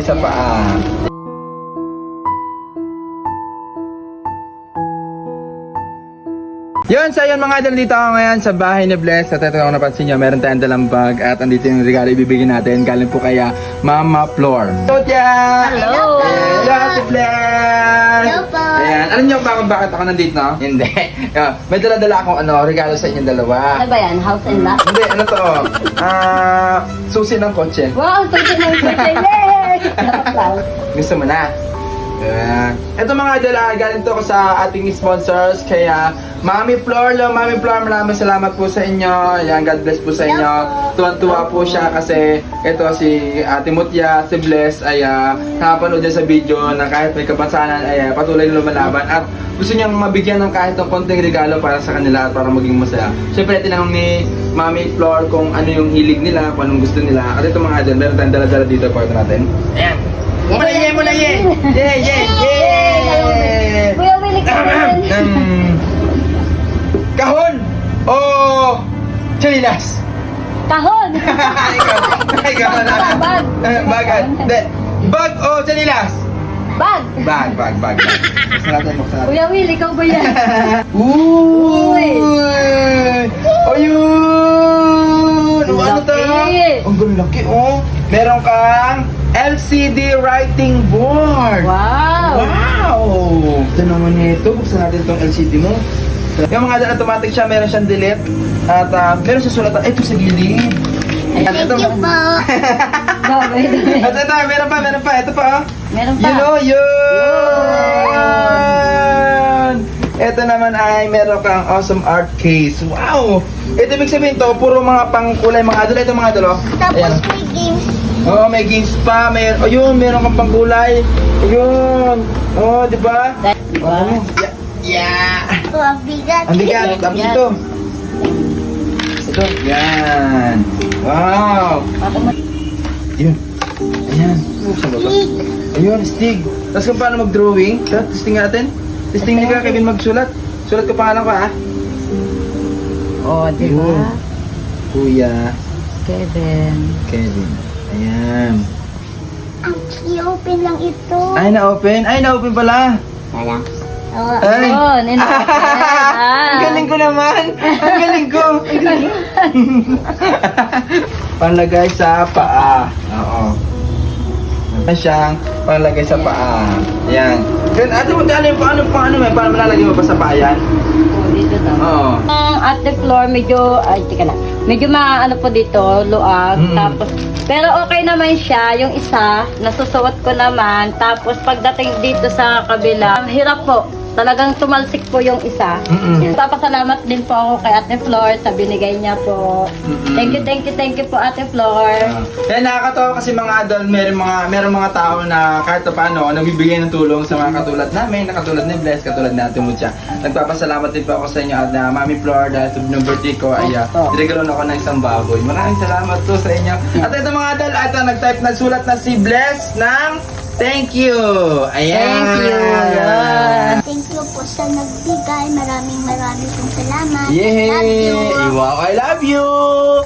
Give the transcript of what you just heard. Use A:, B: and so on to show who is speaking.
A: sa paa. Yun, so yun mga idol, dito ako ngayon sa bahay ni Bless. At ito kung napansin nyo, meron tayong dalang bag. At andito yung regalo ibibigay natin. Galing po kaya Mama Flor. Hello, Tia!
B: Hello!
A: Hello, Ate Bless!
B: Hello po!
A: Ayan, alam nyo ba kung bakit ako nandito, no? Hindi. May dala-dala akong regalo sa inyong dalawa.
B: Ano ba yan? House and lot?
A: Hindi, ano to? Susi ng kotse.
B: Wow! Susi ng kotse! Yay!
A: Gusto mo na? Ito mga idol, galing to ko sa ating sponsors. Kaya Mami Flor, Mami Flor, maraming salamat po sa inyo. Ayan, God bless po sa inyo. Tuwan-tuwa po siya kasi ito si Ate Mutya, si Bless ay nakapanood niya sa video na kahit may kapansanan ay patuloy na lumalaban at gusto niyang mabigyan ng kahit ng konting regalo para sa kanila at para maging masaya. Siyempre, tinanong ni Mami Flor kung ano yung hilig nila, kung anong gusto nila. At ito mga idol, meron tayong dala-dala dito para natin. Ayan. Mula ye! Yay!
B: Kuya Willie, kahon!
A: Kahon! O chalilas!
B: Kahon!
A: Ikaw na.
B: Bag!
A: Bagan. Bag o chalilas?
B: Bag!
A: Bag. Buksan natin.
B: Kuya Willie, ikaw ba yan?
A: Uy! Ayun! Ano to?
B: Laki.
A: Ang laki, oh! Meron kang LCD writing board!
B: Wow!
A: Wow! Ito naman ito. Buksan natin itong LCD mo. Yung mga dyan automatic siya, meron siyang delete. At meron siya sulatan. Ito sa gilid. Ayan, ito.
B: Thank you po!
A: At ito, meron pa. Ito pa.
B: Meron pa.
A: Yun! Ito naman ay meron kang awesome art case. Wow! Ito ibig sabihin to, puro mga pangkulay mga idol. Ito mga idol, oh.
B: Tapos may games.
A: Oo, may games pa. Ayun, meron kang pangkulay. Ayun. Oh, di ba?
B: Wow!
A: Yeah!
B: Ito, ang bigat.
A: Ang bigat. Tapos ito. Ito. Yan. Wow! Yun. Ayan. Saan ba ito? Ayun, stig. Tapos kung paano mag-drawing. Testing natin. Testing niya ka, Kevin, magsulat. Sulat ko pangalan ko, ha?
B: Oh, di
A: Ayun.
B: ba?
A: Kuya
B: Kevin.
A: Kevin. Ayan.
B: Ang i-open lang ito.
A: Ay, na-open? Ay, na-open pala.
B: Wala. Oh,
A: Ay.
B: Ang
A: Ang galing ko naman. Ang galing ko. Panlagay sa paa. Oo. Ayan siyang panlagay sa paa. Ayan. Then, ate mo, paano malalagay mo pa sa paa yan?
B: dito daw.
A: Oo.
B: Ang ate floor medyo, ay, tika na. Medyo maano po dito, luag. Tapos, pero okay naman siya. Yung isa, nasusuot ko naman. Tapos, pagdating dito sa kabila, hirap po. Talagang tumalsik po yung isa. Papasalamat din po ako kay Ate Flor sa binigay niya po. Thank you po Ate Flor.
A: Kaya nakakatawa kasi mga adult, meron mga tao na kahit paano nagbibigay ng tulong sa mga katulad namin, na katulad ni Bless, katulad ni Ate Mutya. Nagpapasalamat din po ako sa inyo at Mami Flor dahil sa birthday ko ay dinagalan ako ng isang baboy. Maraming salamat po sa inyo. At ito mga adult, nagsulat na si Bless ng thank you! Ayan!
B: Thank you! Yan.
C: Thank you po sa nagbigay. Maraming pong salamat.
A: Yay!
C: Love you.
A: Wow, I love you!